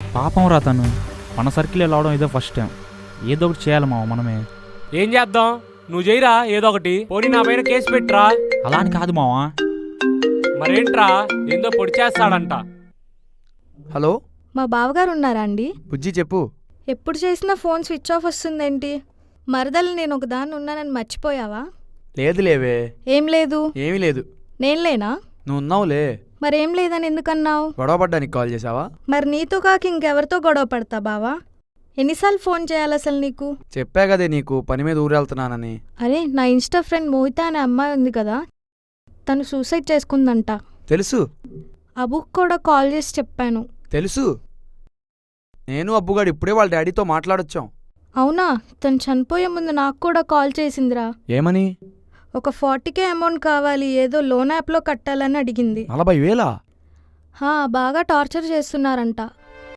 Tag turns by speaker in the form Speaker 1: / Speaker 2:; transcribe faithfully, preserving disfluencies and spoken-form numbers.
Speaker 1: పాపం రా తను. మన సర్కిల్ వెళ్ళవడం ఇదే ఫస్ట్ టైం. ఏదో ఒకటి చేయాలి మావ మనమే.
Speaker 2: ఏం చేద్దాం? నువ్వు చేయరా ఏదో ఒకటి. పోనీ నా పైన కేసు పెట్టరా.
Speaker 1: అలా అని కాదు మావా.
Speaker 2: మరేంట్రా ఏందో పొడి చేస్తాడంట.
Speaker 3: హలో,
Speaker 4: మా బావగారు ఉన్నారా అండి?
Speaker 3: బుజ్జి చెప్పు.
Speaker 4: ఎప్పుడు చేసినా ఫోన్ స్విచ్ ఆఫ్ వస్తుందేంటి? మరదలు నేను ఒకదాన్ని ఉన్నానని మర్చిపోయావా?
Speaker 3: లేదు లేవే.
Speaker 4: ఏం లేదు?
Speaker 3: ఏమీ లేదు.
Speaker 4: నేను లేనా?
Speaker 3: నువ్వు ఉన్నావులే.
Speaker 4: మరేం లేదని ఎందుకన్నావు?
Speaker 3: గొడవ పడ్డానికి కాల్ చేసావా?
Speaker 4: మరి నీతో కాక ఇంకెవరితో గొడవ పడతా బావా? ఎన్నిసార్లు ఫోన్ చేయాలి అసలు నీకు?
Speaker 3: చెప్పా కదే నీకు పని మీద ఊరెళ్తున్నానని.
Speaker 4: అరే, నా ఇన్స్టా ఫ్రెండ్ మోహిత అనే అమ్మాయి ఉంది కదా, తను సూసైడ్ చేసుకుందంట.
Speaker 3: తెలుసు.
Speaker 4: అబుక్ కూడా కాల్ చేసి చెప్పాను.
Speaker 3: తెలుసు. నేను అబ్బుగాడు ఇప్పుడే వాళ్ళ డాడీతో మాట్లాడొచ్చాం.
Speaker 4: అవునా? తను చనిపోయే ముందు నాకు కూడా కాల్ చేసిందిరా.
Speaker 3: ఏమని?
Speaker 4: ఒక ఫార్టీకే అమౌంట్ కావాలి, ఏదో లోన్ యాప్లో కట్టాలని అడిగింది.
Speaker 3: నలభై వేలా?
Speaker 4: హా, బాగా టార్చర్ చేస్తున్నారంట.